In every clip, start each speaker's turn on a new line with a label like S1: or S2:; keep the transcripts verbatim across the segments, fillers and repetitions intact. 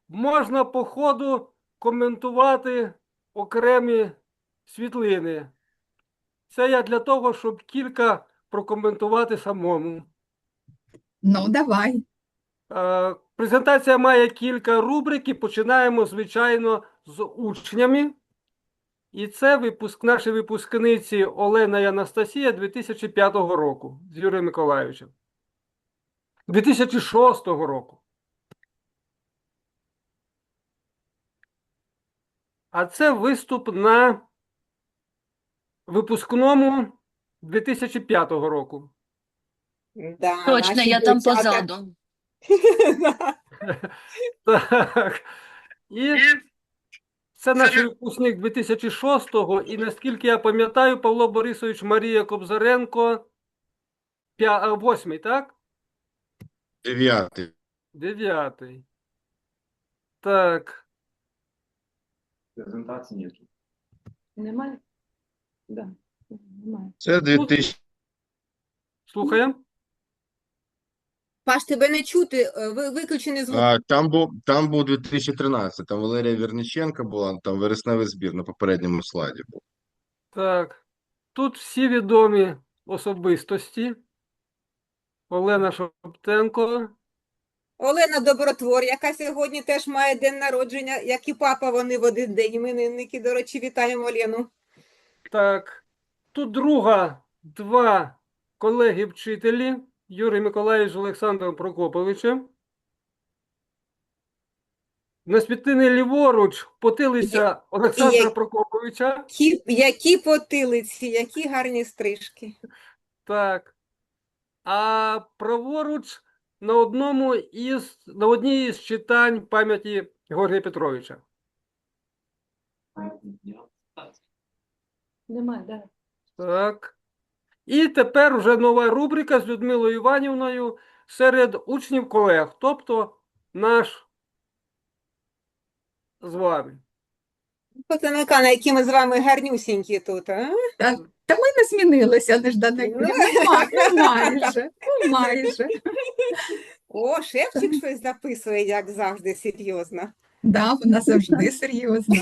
S1: можна по ходу коментувати окремі світлини. Це я для того, щоб кілька прокоментувати самому.
S2: Ну, давай.
S1: Е, Презентація має кілька рубрик і починаємо, звичайно, з учнями. І це випуск, наші випускниці Олена і Анастасія дві тисячі п'ятого року з Юрієм Миколайовичем. дві тисячі шостого року. А це виступ на випускному дві тисячі п'ятого року.
S3: Да,
S4: Точно,
S3: наші
S4: я там
S3: дівчата.
S4: позаду.
S3: Да.
S1: Так. І це наш випускник дві тисячі шостого, і наскільки я пам'ятаю, Павло Борисович, Марія Кобзаренко, п'я- восьмий, так?
S5: Дев'ятий.
S1: Дев'ятий. Так.
S6: Презентації ніяких.
S3: Немає? Да. Немає.
S5: Це дві тисячі.
S1: Слухаємо.
S3: Паш, тебе не чути, е, ви- виключений звук.
S5: А, там був там був дві тисячі тринадцятий. Там Валерія Вірниченка була, там вересневий збір на попередньому слайді був.
S1: Так. Тут всі відомі особистості. Олена Шоптенко.
S3: Олена Добротвор, яка сьогодні теж має день народження, як і папа, вони в один день. Іменинники, до речі, вітаємо Олену.
S1: Так. Тут друга, два колеги-вчителі. Юрій Миколайович з Олександром Прокоповичем. На світлині ліворуч потилиця Олександра
S3: Є-
S1: Прокоповича.
S3: Які, які потилиці, які гарні стрижки.
S1: Так. А праворуч на одному із, на одній із читань пам'яті Георгія Петровича.
S3: Немає, да.
S1: Так. І тепер вже нова рубрика з Людмилою Іванівною серед учнів колег, тобто наш з вами.
S3: Потаника, на які ми з вами гарнюсінькі тут, а?
S2: Та, та ми не змінилися, Неждана
S3: Ну.
S2: Юрія. Ну, ма- ну, майже, ну, майже.
S3: О, шефчик щось записує, як завжди, серйозно.
S2: Да, вона завжди серйозна.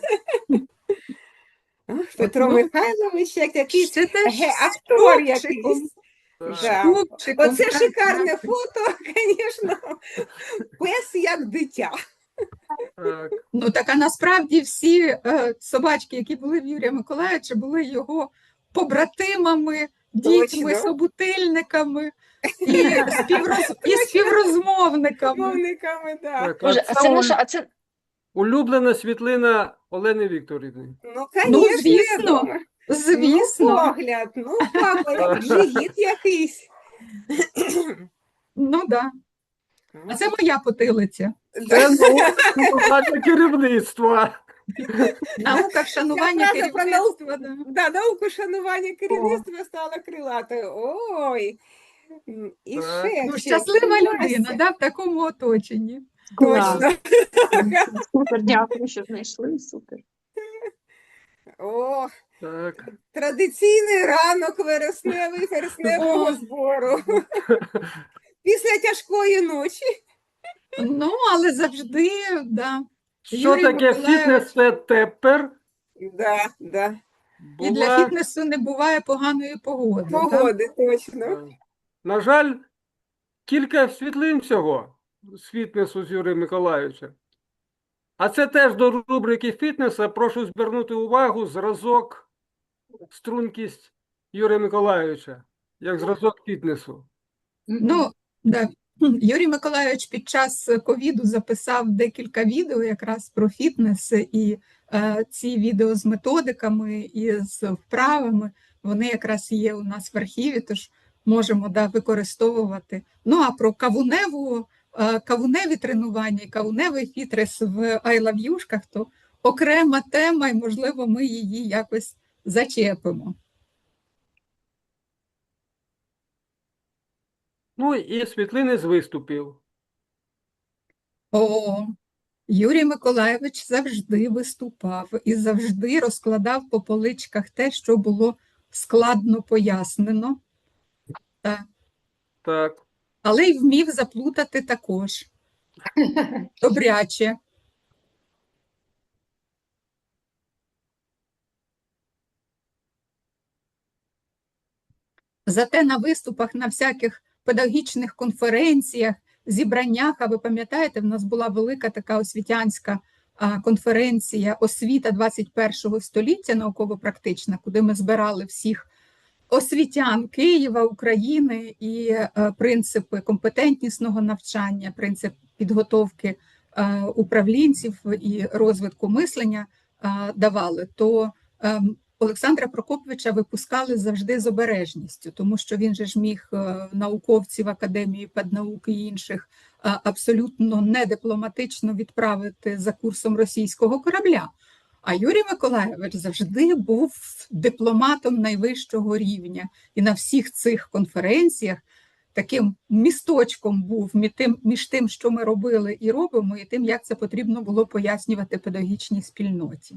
S3: Ах, Петро
S2: Ну,
S3: Михайлович, як якийсь
S2: Ще теж
S3: ге,
S2: з
S3: актор
S2: хлопчиком,
S3: якийсь.
S1: Так.
S2: з
S3: Да.
S2: хлопчиком,
S3: Оце
S2: так,
S3: шикарне
S2: так.
S3: фото, звісно. Пес як дитя.
S1: Так.
S2: Ну, так, а насправді всі е, собачки, які були в Юрія Миколайовича, були його побратимами, дітьми,
S3: Точно.
S2: собутильниками і, співроз... і співрозмовниками.
S3: Мовниками, так.
S1: Так, а
S4: Боже, а
S1: це
S4: це
S1: улю-
S4: наша, а це
S1: улюблена світлина Олени Вікторівни.
S3: Ну,
S2: Ну,
S3: звісно,
S2: звісно.
S3: Ну,
S2: Звісно.
S3: погляд, ну, папа, як живіт якийсь.
S2: Ну, да. А це моя потилиця.
S1: Це наука керівництва.
S2: Наука вшанування
S3: Ця фраза про
S2: керівництва. Да.
S3: Да, науку шанування керівництва стала крилатою. Ой, і
S1: Так.
S3: ще.
S2: Ну,
S3: ще
S2: щаслива
S3: Вася.
S2: людина, да, в такому оточенні.
S3: Точно.
S7: Супер, дякую, що знайшли. Супер.
S3: О,
S1: Так.
S3: традиційний ранок вересневий, вересневого
S2: О.
S3: збору. Після тяжкої ночі.
S2: Ну, але завжди, да.
S1: Що
S2: Юрій
S1: таке
S2: Миколайович.
S1: фітнес це тепер?
S3: Да, да.
S2: І для
S1: Була,
S2: фітнесу не буває поганої погоди. да.
S3: Погоди, точно.
S1: е, на жаль, кілька світлин всього з фітнесу з Юрія Миколайовича. А це теж до рубрики фітнесу. Прошу звернути увагу зразок, стрункість Юрія Миколайовича, як зразок фітнесу.
S2: Ну, да. Юрій Миколайович під час ковіду записав декілька відео якраз про фітнес, і е, ці відео з методиками і з вправами, вони якраз є у нас в архіві, тож можемо, да, використовувати. Ну, а про кавуневу, е, кавуневі тренування і кавуневий фітнес в айлав'юшках, то окрема тема, і, можливо, ми її якось зачепимо.
S1: Ну і світлини з виступів.
S2: О, Юрій Миколайович завжди виступав і завжди розкладав по поличках те, що було складно пояснено, так.
S1: Так.
S2: Але й вмів заплутати також. Добряче. Зате на виступах на всяких педагогічних конференціях, зібраннях, а ви пам'ятаєте, в нас була велика така освітянська а, конференція «Освіта двадцять першого століття» науково-практична, куди ми збирали всіх освітян Києва, України і е, принципи компетентнісного навчання, принцип підготовки е, управлінців і розвитку мислення е, давали, то е, Олександра Прокоповича випускали завжди з обережністю, тому що він же ж міг е, науковців Академії педнаук і інших е, абсолютно недипломатично відправити за курсом російського корабля. А Юрій Миколайович завжди був дипломатом найвищого рівня. І на всіх цих конференціях таким місточком був між тим, між тим, що ми робили і робимо, і тим, як це потрібно було пояснювати педагогічній спільноті.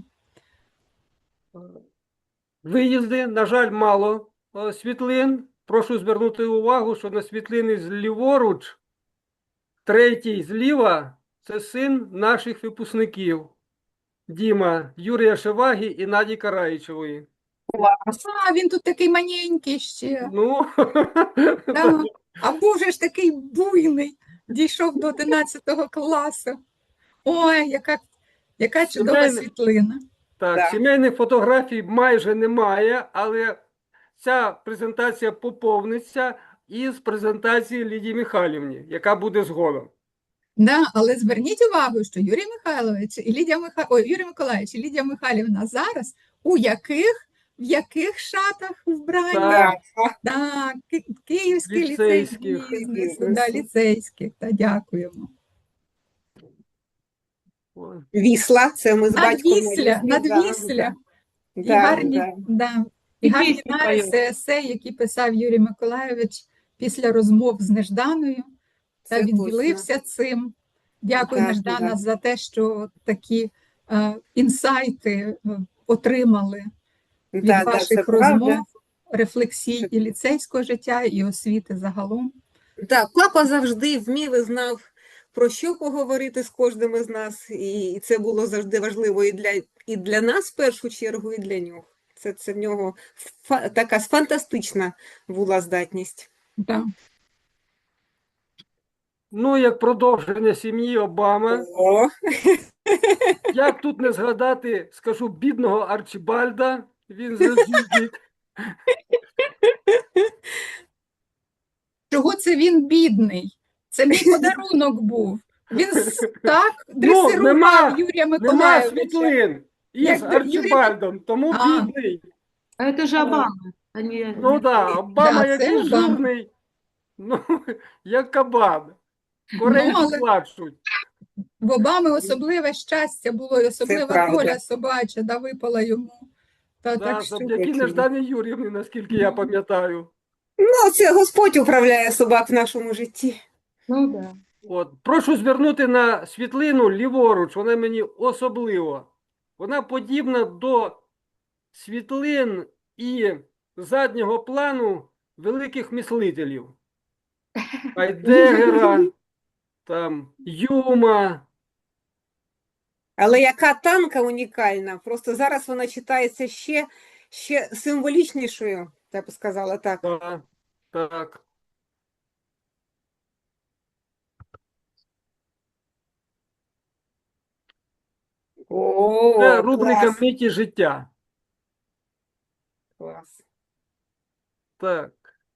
S1: Виїзди, на жаль, мало е, світлин. Прошу звернути увагу, що на світлини зліворуч, третій зліва – це син наших випускників. Діма, Юрія Шеваги і Наді Караїчевої.
S2: А, він тут такий маленький ще.
S1: Ну,
S2: Да. А був же ж такий буйний, дійшов до одинадцятого класу. Ой, яка, яка чудова
S1: Сімейний-
S2: світлина.
S1: так,
S3: Да.
S1: сімейних фотографій майже немає, але ця презентація поповниться із презентації Лідії Михайлівні, яка буде згодом.
S2: Да, але зверніть увагу, що Юрій Михайлович і Лідія Миха... Ой, Юрій Миколаївич і Лідія Михайлівна зараз у яких, в яких шатах вбрані?
S1: Так.
S2: Так, Ки- Київський ліцей
S1: Ліцейських.
S2: бізнесу, да, ліцейських, та дякуємо.
S1: Ой.
S3: Вісла, це ми з батьком.
S2: Надвісля,
S3: на Віслі, да,
S2: надвісля. І
S3: да,
S2: гарні,
S3: да.
S2: да. І
S7: І
S2: гарні
S7: пісні
S2: нариси,
S7: поють.
S2: есей, які писав Юрій Миколайович після розмов з Нежданою. Та
S3: Це
S2: він
S3: точно.
S2: ділився цим. Дякую,
S3: Так,
S2: Неждана,
S3: так.
S2: за те, що такі е, інсайти е, отримали від
S3: Да, да,
S2: ваших
S3: це правда.
S2: розмов, рефлексій і ліцейського життя, і освіти загалом.
S3: Так, папа завжди вмів і знав, про що поговорити з кожним із нас, і це було завжди важливо і для, і для нас в першу чергу, і для нього. Це, це в нього фа- така фантастична була здатність.
S2: Да.
S1: Ну, як продовження сім'ї Обами,
S3: О,
S1: як тут не згадати, скажу, бідного Арчібальда, він завжди.
S2: Чого це він бідний? Це мій подарунок був. Він с- так дресирував
S1: нема-
S2: Юрія
S1: Нема
S2: Миколайовича.
S1: світлин із
S2: Як Юрій-
S1: Арчібальдом, тому
S2: А.
S1: бідний.
S7: А это же Обама. а не-
S1: Ну
S7: не-
S1: так, Обама
S2: Да, це
S1: який
S2: Обама.
S1: жирний, ну, як кабан. Корейці
S2: Ну, але-
S1: плачуть.
S2: В Обами особливе щастя було, і особлива
S3: правда.
S2: доля собача, да, випала йому. Та,
S1: Да,
S2: так що...
S1: завдяки
S3: точно.
S1: Неждані Юріївні, наскільки я пам'ятаю.
S3: ну, це Господь управляє собак в нашому житті.
S7: Ну да.
S1: От. Прошу звернути на світлину ліворуч, вона мені особливо. Вона подібна до світлин і заднього плану великих мислителів. Айдегера, там, Юма.
S3: Але яка танка унікальна, просто зараз вона читається ще, ще символічнішою, я б сказала так.
S1: Так, так.
S3: О,
S1: Це рубрика
S3: клас,
S1: «Миті життя».
S3: клас.
S1: Так.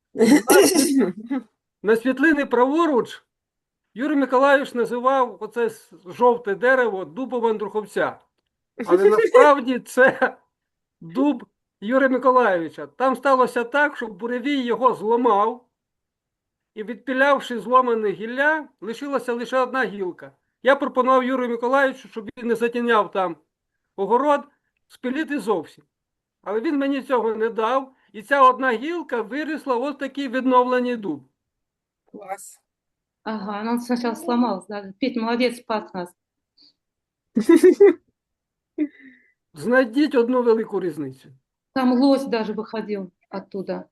S1: На світлини праворуч Юрій Миколайович називав оце с- жовте дерево дубом Андруховця. Але насправді це дуб Юрія Миколайовича. Там сталося так, що буревій його зламав, і відпілявши зломане гілля, лишилася лише одна гілка. Я пропонував Юрію Миколайовичу, щоб він не затіняв там огород, спилити зовсім. Але він мені цього не дав, і ця одна гілка вирісла ось такий відновлений дуб.
S3: Клас.
S7: Ага, ну он сначала сломался. Да. Петь, молодец, спас нас.
S1: Знайдіть одну велику різницю.
S7: Там лось даже выходил оттуда.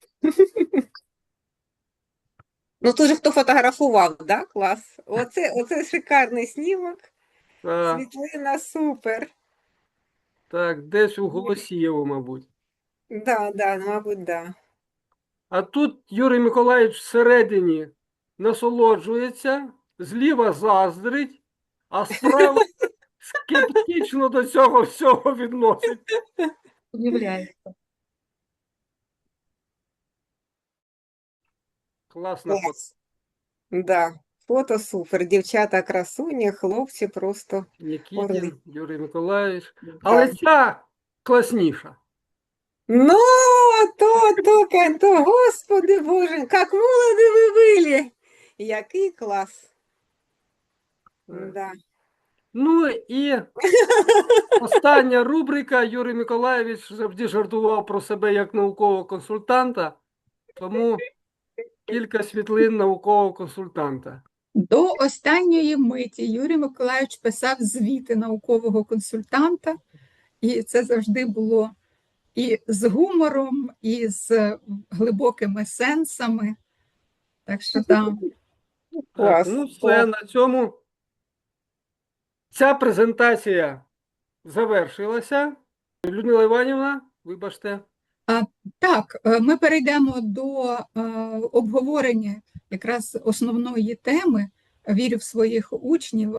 S3: Ну, тут же хто фотографував, да? Клас. Оце, оце шикарний знімок.
S1: Так,
S3: Світлина супер.
S1: так, десь у Голосієво, мабуть.
S3: Да, да, мабуть, да.
S1: А тут Юрій Миколаївич всередині насолоджується, зліва заздрить, а справа скептично до цього всього відносить.
S7: Удивляється.
S1: Класна фото.
S3: Клас. Да, фото супер. Дівчата красуні, хлопці просто. Орли.
S1: Нікітін, Юрій Миколаївич.
S3: Да.
S1: Але ця класніша.
S3: Ну, то, то, ка- то, господи Боже, як молоді ви були. Який клас. Да.
S1: Ну і остання рубрика. Юрій Миколаївич завжди жартував про себе як наукового консультанта, тому кілька світлин наукового консультанта.
S2: До останньої миті Юрій Миколайович писав звіти наукового консультанта, і це завжди було і з гумором, і з глибокими сенсами. Так що там.
S1: Так,
S3: Клас,
S1: ну все,
S3: клас.
S1: на цьому ця презентація завершилася. Людмила Іванівна, вибачте.
S2: Так, е, ми перейдемо до е, обговорення якраз основної теми «Вірю в своїх учнів».